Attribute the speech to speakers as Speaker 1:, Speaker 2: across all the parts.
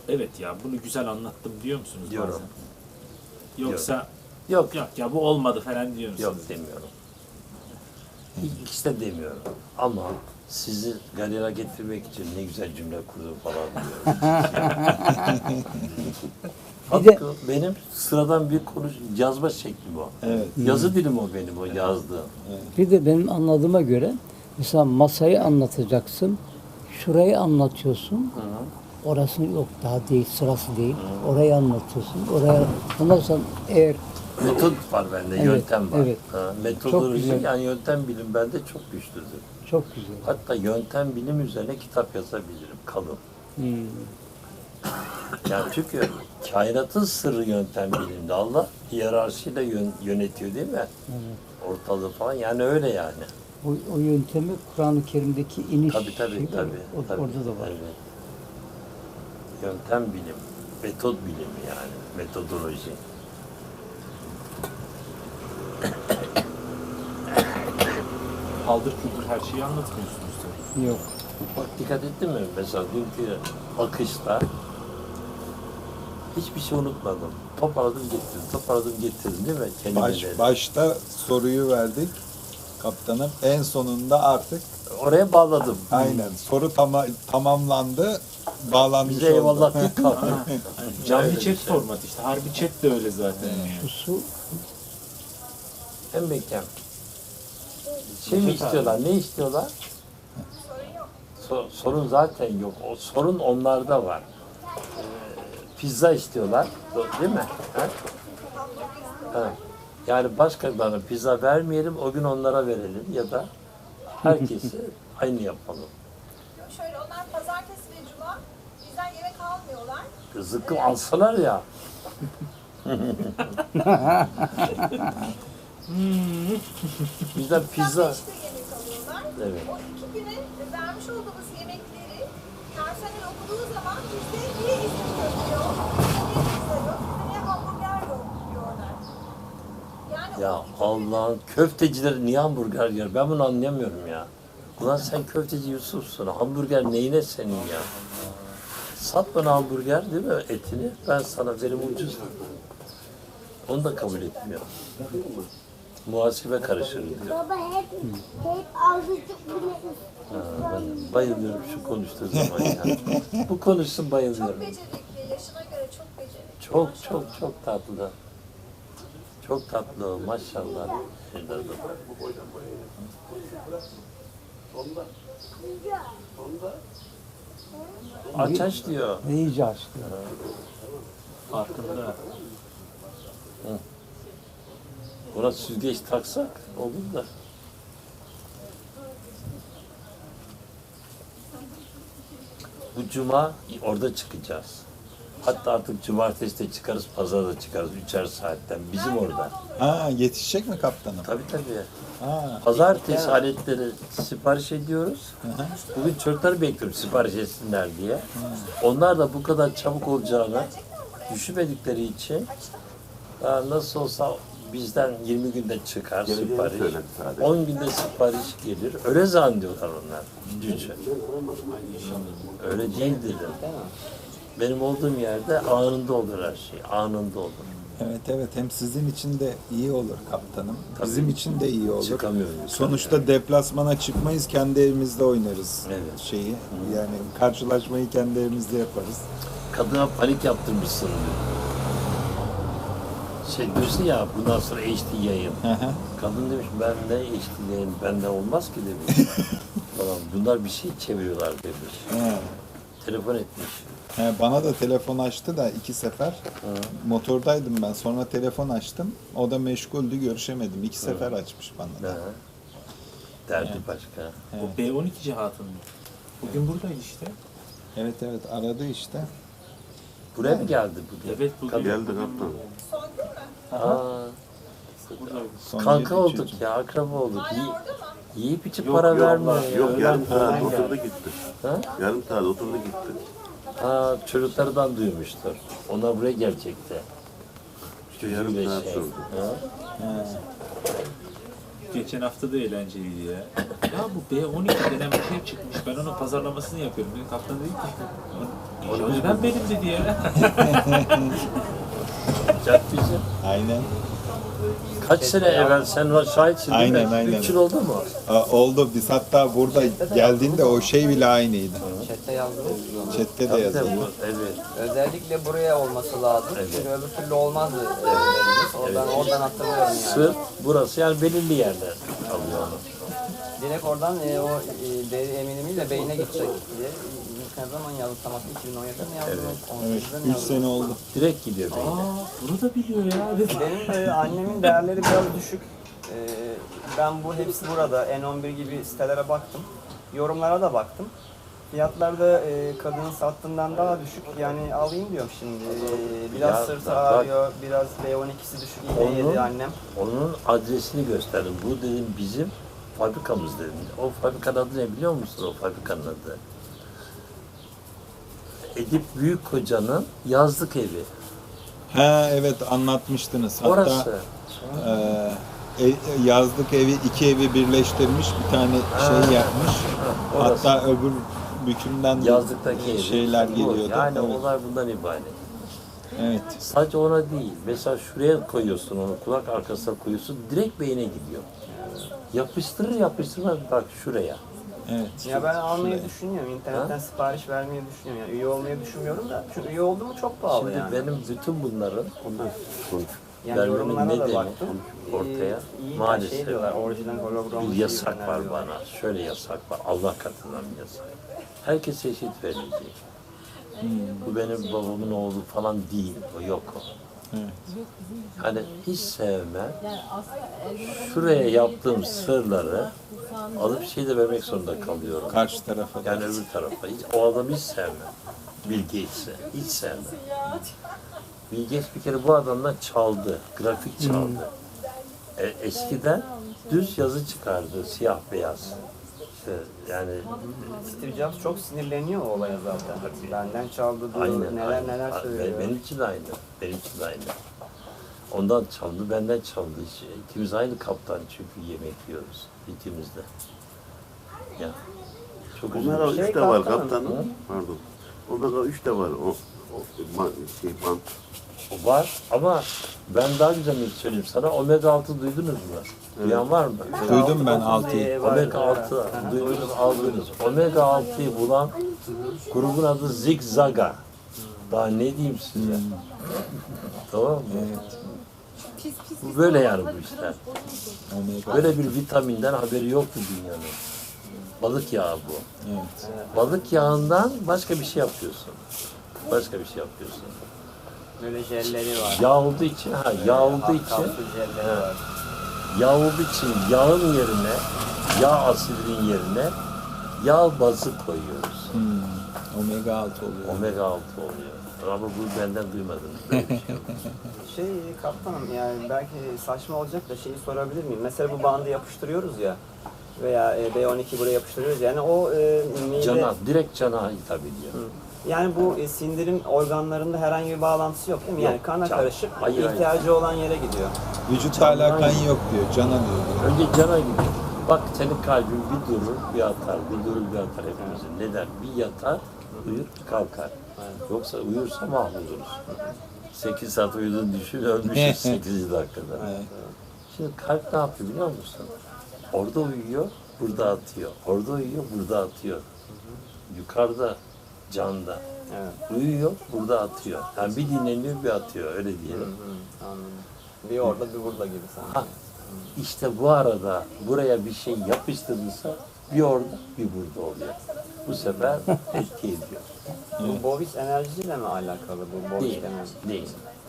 Speaker 1: evet ya bunu güzel anlattım diyor musunuz
Speaker 2: Diyorum.
Speaker 1: bazen? Yoksa
Speaker 2: Yok.
Speaker 1: yok ya bu olmadı falan diyor musunuz?
Speaker 2: Yok demiyorum. İkisi de demiyorum. Ama sizi galera getirmek için ne güzel cümle kurdum falan diyorum.
Speaker 3: Bir de-
Speaker 2: Hakkı benim sıradan bir yazma şeklim o.
Speaker 4: Evet.
Speaker 2: Yazı dilim o benim o yazdığım.
Speaker 3: Bir de benim anladığıma göre mesela masayı anlatacaksın. Şurayı anlatıyorsun. Orası yok daha değil, sırası değil. Orayı anlatıyorsun. Oraya ondan sonra eğer
Speaker 2: Metot var bende,
Speaker 3: Evet,
Speaker 2: yöntem var.
Speaker 3: evet.
Speaker 2: Ha,
Speaker 3: Çok
Speaker 2: metodoloji
Speaker 3: güzel.
Speaker 2: yani yöntem bilim bende çok güçlüdür.
Speaker 3: çok güzel.
Speaker 2: Hatta yöntem bilim üzerine kitap yazabilirim, kalın. Yani çünkü kainatın sırrı yöntem bilimde. Allah hiyerarşiyle yönetiyor değil mi? Ortalığı falan yani öyle yani.
Speaker 3: O yöntemi Kur'an-ı Kerim'deki iniş
Speaker 2: Tabii
Speaker 3: şeyi var.
Speaker 2: tabii.
Speaker 3: Orada da var.
Speaker 2: Evet. Yöntem bilim, metod bilimi yani, metodoloji.
Speaker 1: Paldır küldür her şeyi anlatmıyorsunuz tabii.
Speaker 3: Yok.
Speaker 2: Bak dikkat ettin mi? Mesela dünkü akışta hiçbir şey unutmadım. Toparladım getirdim değil mi? Kelimeleri.
Speaker 4: Başta soruyu verdik kaptanım. En sonunda artık
Speaker 2: Oraya bağladım.
Speaker 4: aynen soru tamamlandı. Bağlanmış
Speaker 2: Bize
Speaker 4: oldu.
Speaker 2: eyvallah deyip kalktım.
Speaker 1: Canlı
Speaker 2: Öyle
Speaker 1: chat
Speaker 2: bir şey.
Speaker 1: formatı işte. Harbi chat de öyle zaten.
Speaker 3: Şu su
Speaker 2: Hem mekan. Şey mi istiyorlar? Ne istiyorlar? Sorun zaten yok. O sorun onlarda var. Pizza istiyorlar. Değil mi? Ha? Ha. Yani başkalarına pizza vermeyelim, o gün onlara verelim ya da herkesi aynı yapalım.
Speaker 5: Şöyle onlar pazartesi ve cuma bizden yemek almıyorlar.
Speaker 2: Zıkkım alsalar ya. Bizden pizza.
Speaker 5: İşte yemek alıyorlar.
Speaker 2: Evet.
Speaker 5: O 2 güne vermiş olduğumuz yemekleri personel okuduğu zaman bizde niye İzmir köfte yok, niye pizza yok, niye hamburger yok diyorlar. Yani
Speaker 2: Ya
Speaker 5: o 2 güne
Speaker 2: Allah'ın köftecileri niye hamburger yer? Ben bunu anlayamıyorum ya. Ulan sen köfteci Yusuf'sun. Hamburger neyine senin ya? Sat bana hamburger değil mi etini? Ben sana verim ucuz. Onu da kabul etmiyor. Muhasebe karışır diyor.
Speaker 6: Baba hep azıcık bile
Speaker 2: Ben bayılıyorum şu konuştuğu zaman ya. Bu konuşsun bayılıyorum.
Speaker 5: çok becerikli, yaşına göre çok becerikli.
Speaker 2: Çok tatlı. Çok tatlı o maşallah. Aç diyor.
Speaker 3: iyice açtı.
Speaker 1: Farkında.
Speaker 2: Buna süzgeç taksak olur da. Bu cuma orada çıkacağız. Hatta artık cumartesi de çıkarız, pazar da çıkarız. 3'er saatten bizim orada.
Speaker 4: Ha, yetişecek mi kaptanım?
Speaker 2: Tabii.
Speaker 4: Ha,
Speaker 2: Pazartesi aletleri sipariş ediyoruz. Bugün çocukları bekliyorum sipariş etsinler diye. Onlar da bu kadar çabuk olacağını düşünmedikleri için nasıl olsa bizden 20 günde çıkar sipariş. 10 günde sipariş gelir. Öyle zannediyorlar onlar. Gücü. Öyle değil dedim. Benim olduğum yerde anında olur her şey. Anında olur.
Speaker 4: evet hem sizin için de iyi olur kaptanım. Bizim için de iyi olur.
Speaker 2: Çıkamıyorum.
Speaker 4: Sonuçta deplasmana çıkmayız, kendi evimizde oynarız
Speaker 2: Evet.
Speaker 4: şeyi. Yani karşılaşmayı kendi evimizde yaparız.
Speaker 2: Kadına panik yaptırmışsın diyor. Şey diyorsun ya bundan sonra HD yayın. Kadın demiş ben de HD yayın benden olmaz ki demiş. Falan. Bunlar bir şey çeviriyorlar demiş.
Speaker 4: He.
Speaker 2: Telefon etmiş.
Speaker 4: Bana da telefon açtı da 2 sefer. Motordaydım ben. Sonra telefon açtım. O da meşguldü, görüşemedim. 2 sefer açmış bana da.
Speaker 2: Ha. Derdi başka.
Speaker 1: O B12 cihatın mı? Bugün buradaydı işte.
Speaker 4: Evet aradı işte.
Speaker 2: Buraya mı geldi bugün?
Speaker 1: Evet bugün.
Speaker 7: Geldi kaptan.
Speaker 5: Son gün mü?
Speaker 2: Aa,
Speaker 1: Buradaydı.
Speaker 4: Son
Speaker 2: kanka
Speaker 4: yedi
Speaker 2: olduk
Speaker 4: çocuk.
Speaker 2: ya, akraba olduk.
Speaker 5: Hala orada mı?
Speaker 2: Yiyip içip para vermiyor ya.
Speaker 7: Yok yarım saat oturdu gitti.
Speaker 2: Ha?
Speaker 7: Yarım saat oturdu gitti.
Speaker 2: Ha, çocuklardan duymuştur. Onlar buraya gelecekti.
Speaker 7: İşte yarım
Speaker 2: Böyle
Speaker 7: saat
Speaker 2: şey.
Speaker 7: sürdü.
Speaker 2: Ha?
Speaker 1: Geçen hafta da eğlenceliydi ya. Ya bu B12 denen bir şey çıkmış. Ben onun pazarlamasını yapıyorum. Benim kaptan dedi ki
Speaker 2: Onu biz
Speaker 1: Ben benim dedi ya.
Speaker 2: bulacak bizi.
Speaker 4: Aynen.
Speaker 2: Kaç sene evvel sen ona şahitsin değil mi?
Speaker 4: Aynen.
Speaker 2: 3 yıl oldu mu?
Speaker 4: Oldu. Biz hatta burada geldiğinde o şey bile aynıydı.
Speaker 8: Chat'te yazdınız.
Speaker 4: Chat'te de
Speaker 2: Tabii,
Speaker 4: yazıldı.
Speaker 2: evet.
Speaker 8: Özellikle buraya olması lazım.
Speaker 2: Evet.
Speaker 8: Çünkü öbür türlü olmazdı. Oradan hatırlıyorum yani.
Speaker 2: Sırf burası yani belirli yerler kalıyor onu.
Speaker 8: Direkt oradan deri eminimiyle beyine gidecek diye. Ne zaman yazdım tam 2017'de mi yazdım?
Speaker 4: Evet.
Speaker 8: 18'de mi
Speaker 4: 3
Speaker 8: yazdım?
Speaker 4: sene oldu.
Speaker 2: Direkt gidiyor beyine.
Speaker 1: Bunu da biliyor ya.
Speaker 8: Benim annemin değerleri biraz düşük. Ben bu hepsi burada. N11 gibi sitelere baktım. Yorumlara da baktım. Fiyatlar da kadının sattığından daha düşük. Yani alayım diyorum şimdi. Biraz
Speaker 2: Ya,
Speaker 8: sırtı
Speaker 2: bak-
Speaker 8: ağrıyor, biraz B12'si düşük iğne
Speaker 2: Onu-
Speaker 8: yedi annem.
Speaker 2: Onun adresini gösterdim. Bu dedim bizim fabrikamız dedim. O fabrikanın adı ne biliyor musun o fabrikanın adı? Edip Büyükkoca'nın yazlık evi.
Speaker 4: Ha evet anlatmıştınız. Hatta
Speaker 2: Orası.
Speaker 4: yazlık evi 2 evi birleştirmiş bir tane şey yapmış.
Speaker 2: orası.
Speaker 4: Hatta öbür bükümden de
Speaker 2: Yazlıktaki evi.
Speaker 4: şeyler
Speaker 2: Bu.
Speaker 4: geliyordu.
Speaker 2: Yani
Speaker 4: Evet.
Speaker 2: olay bundan ibaret.
Speaker 4: Evet.
Speaker 2: Sadece ona değil. Mesela şuraya koyuyorsun onu, kulak arkasına koyuyorsun, direkt beyine gidiyor. Yapıştırır yapıştırmaz bak şuraya.
Speaker 4: Evet.
Speaker 8: Ya ben almayı düşünüyorum. İnternetten sipariş vermeyi düşünüyorum. Yani üye olmayı düşünmüyorum da. Çünkü üye oldu mu çok pahalı
Speaker 2: Şimdi
Speaker 8: yani.
Speaker 2: benim bütün bunların
Speaker 8: Yani
Speaker 2: vermemin
Speaker 8: yorumlara da
Speaker 2: nedeni
Speaker 8: baktım.
Speaker 2: ortaya
Speaker 8: İyi
Speaker 2: maalesef
Speaker 8: şey diyorlar, orijinal hologram
Speaker 2: bir
Speaker 8: şey
Speaker 2: yasak
Speaker 8: ürünler
Speaker 2: var
Speaker 8: diyorlar.
Speaker 2: bana. Şöyle yasak var. Allah katından bir yasak. Herkese eşit verilecek. Bu benim babamın oğlu falan değil. O yok o.
Speaker 4: Evet.
Speaker 2: Hani hiç sevmem. Şuraya yaptığım sırları alıp şey de vermek zorunda kalıyorum.
Speaker 4: Karşı tarafa da.
Speaker 2: Yani öbür tarafa. Hiç, o adamı hiç sevmem. Bill Gates'i. Hiç sevmem. Bill Gates bir kere bu adamdan çaldı. Grafik çaldı. Eskiden düz yazı çıkardı. Siyah beyaz. İşte yani
Speaker 8: Steve Jobs çok sinirleniyor o olaya zaten. Benden çaldı diyor,
Speaker 2: aynen.
Speaker 8: neler
Speaker 2: aynen.
Speaker 8: neler söylüyor.
Speaker 2: Benim için de aynı. Benim için de aynı. Ondan çaldı, benden çaldı. İkimiz aynı kaptan çünkü yemek yiyoruz. İkimiz de. Ya. Çok
Speaker 7: Omega
Speaker 2: üzüldüm.
Speaker 7: 3 de var
Speaker 8: kaptanım.
Speaker 7: kaptanım. Pardon. Omega 3 de var. O bant.
Speaker 2: O var ama ben daha güzelini söyleyeyim sana. Omega 6 duydunuz mu? Duyan var mı?
Speaker 4: Duydum ben 6'yı.
Speaker 2: Omega 6 duydunuz, aldınız. Omega 6'yı bulan grubun adı Zigzaga. Daha ne diyeyim size? Tamam mı?
Speaker 4: Evet.
Speaker 2: Bu böyle yani bu işler.
Speaker 4: Omega.
Speaker 2: Böyle bir vitaminden haberi yoktu dünyanın. Balık yağı bu.
Speaker 4: Evet.
Speaker 2: Balık yağından başka bir şey yapıyorsun. Başka bir şey yapıyorsun.
Speaker 8: Böyle jelleri var.
Speaker 2: Yağ olduğu için, yağ olduğu için,
Speaker 8: Kapsül jelleri var.
Speaker 2: yağ olduğu için yağın yerine, yağ asidinin yerine yağ bazı koyuyoruz.
Speaker 4: Omega 6 oluyor.
Speaker 2: Omega 6 oluyor. Ama bu benden duymadınız. Böyle bir şey yok.
Speaker 8: Kaptanım yani belki saçma olacak da şeyi sorabilir miyim? Mesela bu bandı yapıştırıyoruz ya veya B12 buraya yapıştırıyoruz yani o mide...
Speaker 2: Cana, direkt cana hitap ediyor.
Speaker 8: Yani bu sindirim organlarında herhangi bir bağlantısı yok değil mi? Yani
Speaker 2: Yok,
Speaker 8: kana
Speaker 2: can.
Speaker 8: karışıp
Speaker 2: Hayır,
Speaker 8: ihtiyacı olan yere gidiyor.
Speaker 4: Vücutla alakan yok diyor. Cana diyor.
Speaker 2: Önce cana gidiyor. Bak senin kalbin bir durur, bir atar, bir durur, bir atar hepimizin. Neden? Bir yatar, uyur, kalkar. Yoksa uyursa mahvoluruz. 8 saat uyuduğunu düşün, ölmüşüz 8 dakikada.
Speaker 4: Evet.
Speaker 2: Şimdi kalp ne yapıyor biliyor musun? Orada uyuyor, burada atıyor. Orada uyuyor, burada atıyor. Yukarıda, canda.
Speaker 8: Evet.
Speaker 2: Uyuyor, burada atıyor. Yani bir dinleniyor, bir atıyor, öyle diyelim.
Speaker 8: Anladım. Bir orada bir burada gibi sanki.
Speaker 2: Ha, işte bu arada buraya bir şey yapıştırılsa bir orada, bir burada oluyor. Bu sefer etki ediyor.
Speaker 8: Bu Bovis enerjisiyle mi alakalı bu Bovis
Speaker 2: Değil,
Speaker 8: enerji?
Speaker 2: değil.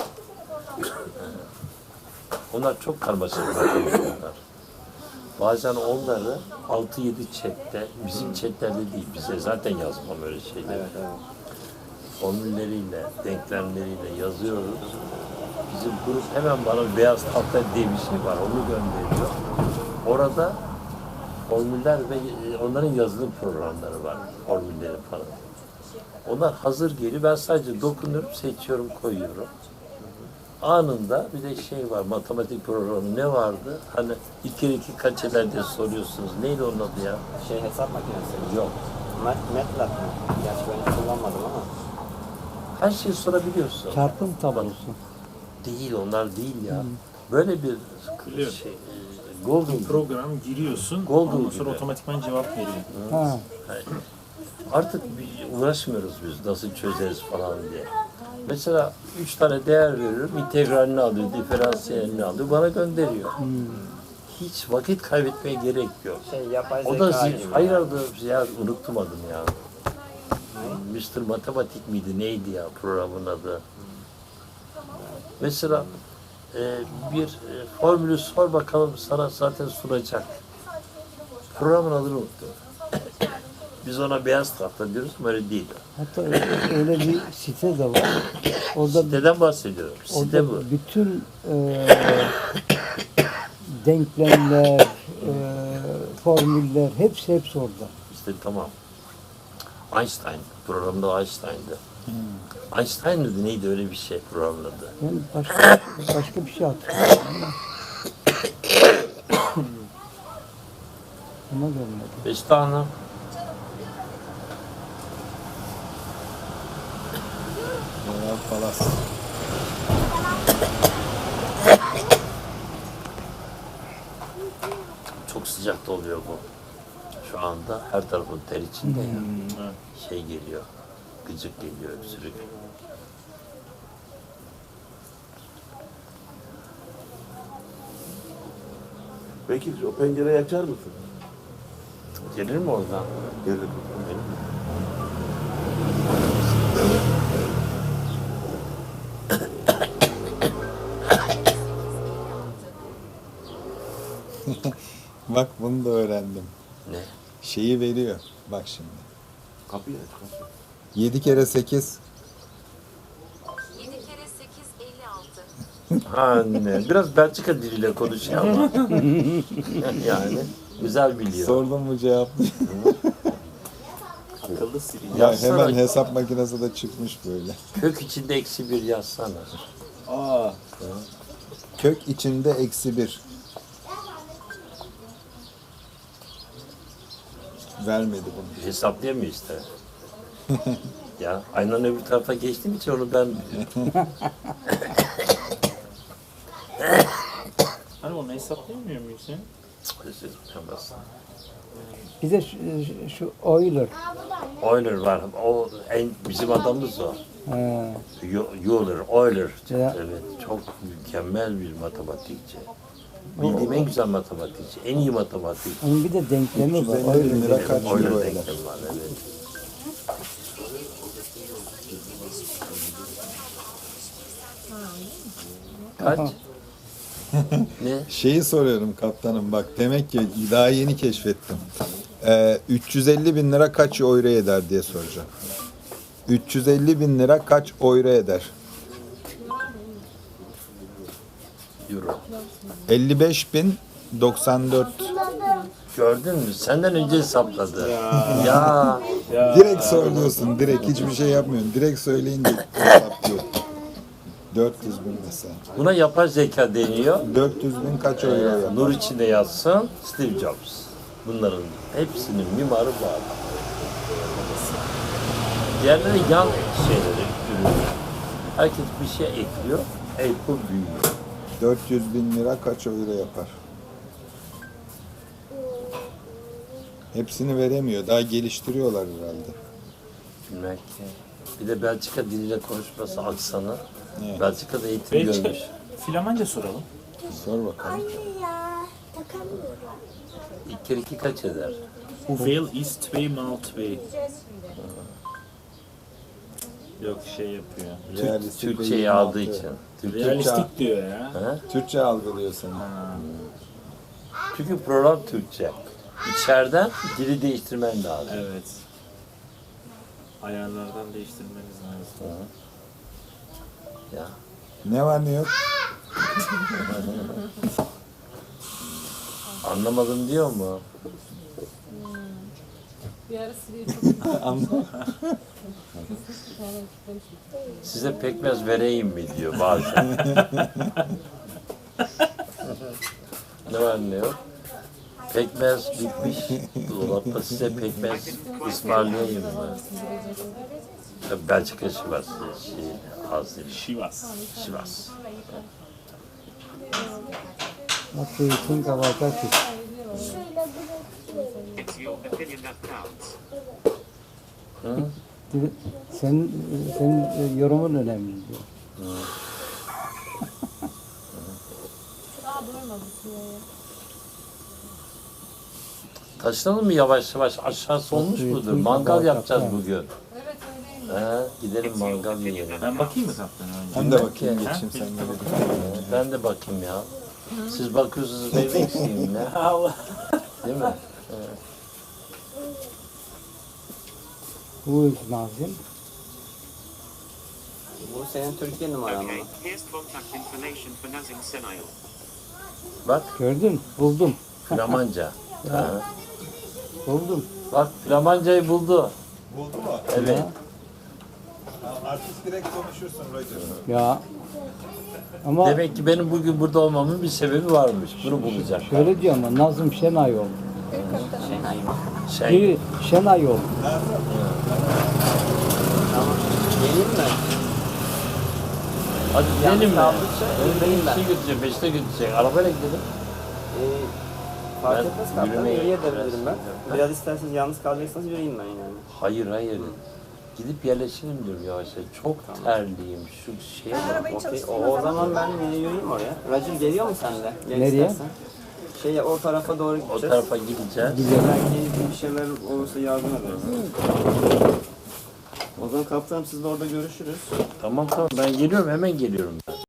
Speaker 2: Onlar çok karmaşık bunlar. Bazen onları 6-7 chatte, bizim chatlerde değil, bize zaten yazmam öyle şeyler.
Speaker 8: Evet, evet.
Speaker 2: Formülleriyle, denklemleriyle yazıyoruz. Bizim grup hemen bana beyaz tahta diye bir şey var, onu gönderiyor. Orada formüller ve onların yazılım programları var, formülleri falan. Onlar hazır geliyor, ben sadece dokunuyorum, seçiyorum, koyuyorum. Anında bir de şey var, matematik programı ne vardı? Hani 2 kere 2 kaç eder diye soruyorsunuz. Neydi onun adı ya?
Speaker 8: Hesap makinesi.
Speaker 2: Yok.
Speaker 8: MATLAB mı? Gerçi ben hiç kullanmadım ama.
Speaker 2: Her şeyi sorabiliyorsun.
Speaker 3: Çarpım tablosu.
Speaker 2: Değil, onlar değil ya. Böyle bir
Speaker 1: Biliyorum.
Speaker 2: şey, golden
Speaker 1: Program giriyorsun,
Speaker 2: Google
Speaker 1: ondan sonra
Speaker 2: gibi.
Speaker 1: otomatikman cevap veriyor.
Speaker 3: Ha.
Speaker 2: Artık uğraşmıyoruz biz nasıl çözeriz falan diye. Mesela 3 tane değer veriyorum, integralini alıyor, diferansiyelini alıyor, bana gönderiyor. Hiç vakit kaybetmeye gerek yok.
Speaker 8: Yapay
Speaker 2: O da
Speaker 8: zeka gibi.
Speaker 2: hayır adı ya unuttum adını ya. Mr. Matematik miydi neydi ya programın adı? Mesela bir formülü sor bakalım sana zaten sunacak. Programın adını unuttum. Biz ona beyaz tahta diyoruz ama öyle değil.
Speaker 3: Hatta öyle bir site de var. Orada
Speaker 2: Siteden bahsediyorum. Site
Speaker 3: orada
Speaker 2: bu.
Speaker 3: bütün denklemler, formüller hepsi orada.
Speaker 2: İşte tamam. Einstein. Programda Einstein'dı. Einstein mıydı neydi öyle bir şey programın adı.
Speaker 3: Ben başka bir şey hatırlıyorum. Ama gelmedi.
Speaker 2: Beşte Hanım.
Speaker 4: Moral Palas.
Speaker 2: Çok sıcak da oluyor bu. Şu anda her tarafın ter içinde ya. Şey geliyor. Gıcık geliyor, öksürük.
Speaker 7: Peki o pencereyi açar mısın?
Speaker 2: Gelir mi oradan?
Speaker 7: Gelir.
Speaker 4: Bak bunu da öğrendim.
Speaker 2: Ne?
Speaker 4: Şeyi veriyor. Bak şimdi.
Speaker 7: Kapıyı aç kapıyı.
Speaker 4: 7 kere 8.
Speaker 5: 7 kere 8 56.
Speaker 2: Ha ne? Biraz Belçika diliyle konuşuyor ama. Yani güzel biliyor.
Speaker 4: Sordum mu cevaplıyor.
Speaker 1: Akıllı sili.
Speaker 4: Ya
Speaker 2: Yazsana.
Speaker 4: hemen hesap makinesi de çıkmış böyle.
Speaker 2: Kök içinde eksi bir yazsana.
Speaker 4: Aa. Kök içinde eksi 1. Vermedi bunu.
Speaker 2: Hesaplayamıyor işte. Ya aynen öbür tarafa geçtiğim için onu ben biliyorum.
Speaker 1: Hani onu hesaplayamıyor muyuz ya?
Speaker 2: Özür dilerim.
Speaker 3: Bir de şu Euler.
Speaker 2: Euler var. O en bizim adamımız o.
Speaker 3: Ha,
Speaker 2: Euler.
Speaker 3: Ya.
Speaker 2: Evet, çok mükemmel bir matematikçi. Bildiğim en güzel matematikçi, en iyi matematikçi.
Speaker 3: onun bir de denklemi var.
Speaker 4: 350 bin lira
Speaker 3: Euler.
Speaker 4: kaç
Speaker 2: Euler
Speaker 4: euro eder?
Speaker 2: denklemi var, evet. Kaç? Ne?
Speaker 4: Şeyi soruyorum kaptanım bak demek ki daha yeni keşfettim. 350 bin lira kaç euro eder diye soracağım. 350 bin lira kaç euro eder?
Speaker 2: Euro.
Speaker 4: 55.094.
Speaker 2: Gördün mü? Senden önce hesapladı. Ya.
Speaker 4: Direkt söylüyorsun, direkt hiçbir şey yapmıyorsun. Direkt söyleyince hesaplıyor. 400 bin mesela.
Speaker 2: Buna yapay zeka deniyor.
Speaker 4: 400 bin kaç euro yapar?
Speaker 2: Nur içinde yatsın Steve Jobs. Bunların hepsinin mimarı bu adam. Diğerleri yan şeyleri, ürünler. Herkes bir şey ekliyor, Apple büyüyor.
Speaker 4: 400 bin lira kaç euro yapar? Hepsini veremiyor. Daha geliştiriyorlar herhalde.
Speaker 2: Bilmek ki. Bir de Belçika diliyle konuşması aksanı.
Speaker 4: Evet.
Speaker 2: Belçika'da eğitim
Speaker 1: Belçika,
Speaker 2: görmüş.
Speaker 1: Flamanca soralım.
Speaker 4: Sor bakalım.
Speaker 6: Anne ya takamıyorum.
Speaker 2: 2 kere 2 kaç eder?
Speaker 1: Hoeveel is 2 mal 2? Yok şey yapıyor.
Speaker 4: Realistik
Speaker 2: Türkçeyi
Speaker 4: ve
Speaker 2: aldığı
Speaker 4: 26.
Speaker 2: için. Türkçe,
Speaker 1: Realistik diyor ya.
Speaker 2: Ha?
Speaker 4: Türkçe algılıyor seni.
Speaker 2: Çünkü program Türkçe. İçeriden dili değiştirmen lazım.
Speaker 1: Evet. Ayarlardan değiştirmeniz lazım.
Speaker 2: Ya.
Speaker 4: Ne var ne yok?
Speaker 2: Anlamadım diyor mu? Size pekmez vereyim mi diyor bazen. Ne var ne yok? Pekmez bitmiş. Dolapta size pekmez ısmarlayayım mı? Belçika Sivas. Az değil.
Speaker 1: Şivas.
Speaker 2: Sivas.
Speaker 3: What do you think about that?
Speaker 6: Şöyle bırakıyorum.
Speaker 9: It's your opinion that counts.
Speaker 2: Hı?
Speaker 3: Senin yorumun önemli diyor.
Speaker 2: Taşınalım mı yavaş yavaş? Aşağısı olmuş mudur? Mangal yapacağız bugün. Gidelim mangal yiyelim.
Speaker 1: Ben bakayım mı kaptana önce?
Speaker 4: Ben de bakayım geçeyim sen böyle.
Speaker 2: Ben de bakayım ya. Siz bakıyorsunuz ben eksiğim ne?
Speaker 1: Allah.
Speaker 2: Değil mi?
Speaker 3: Who is Nazım?
Speaker 8: Bu senin Türkiye numaran mı?
Speaker 9: Okay, here's contact information for Nazim Senayel.
Speaker 2: Bak
Speaker 3: Gördün? Buldum.
Speaker 2: Flamanca. Ha.
Speaker 3: Buldum.
Speaker 2: Bak Flamancayı buldu.
Speaker 4: Buldu mu?
Speaker 2: Evet.
Speaker 4: Artık direkt konuşursun Roger.
Speaker 3: Ya. Ama
Speaker 2: Demek ki benim bugün burada olmamın bir sebebi varmış. Bunu bulacak.
Speaker 3: şöyle diyor ama Nazım Şenayol.
Speaker 2: Şey,
Speaker 3: Biri Şenayol.
Speaker 8: Tamam. Geleyim mi?
Speaker 2: hadi gidelim mi?
Speaker 8: kaldıkça yürüyeyim ben.
Speaker 2: Beni götürecek, Beşiktaş'a götürecek. Arabayla gidelim.
Speaker 8: Fark
Speaker 2: Ben
Speaker 8: etmez kaptan.
Speaker 2: yürümeye
Speaker 8: Yürüye de bilirim ben.
Speaker 2: biraz-
Speaker 8: Biraz isterseniz yalnız kalacaksanız yürüyeyim ben yani.
Speaker 2: Hayır hayır. Gidip yerleşelim diyorum yavaş yavaş. Çok terliyim. Şu şeye bak.
Speaker 5: Arabayı
Speaker 8: Okey.
Speaker 5: çalıştırayım
Speaker 8: O zaman ben yürüyeyim oraya. Roger geliyor mu sen de? Gel
Speaker 3: Nereye?
Speaker 8: istersen. O tarafa doğru
Speaker 2: O
Speaker 8: gideceğiz.
Speaker 2: tarafa gideceğiz.
Speaker 8: Belki bir şeyler olursa yardım ederiz. O zaman kaptanım sizle orada görüşürüz.
Speaker 2: Tamam tamam ben geliyorum hemen geliyorum ben.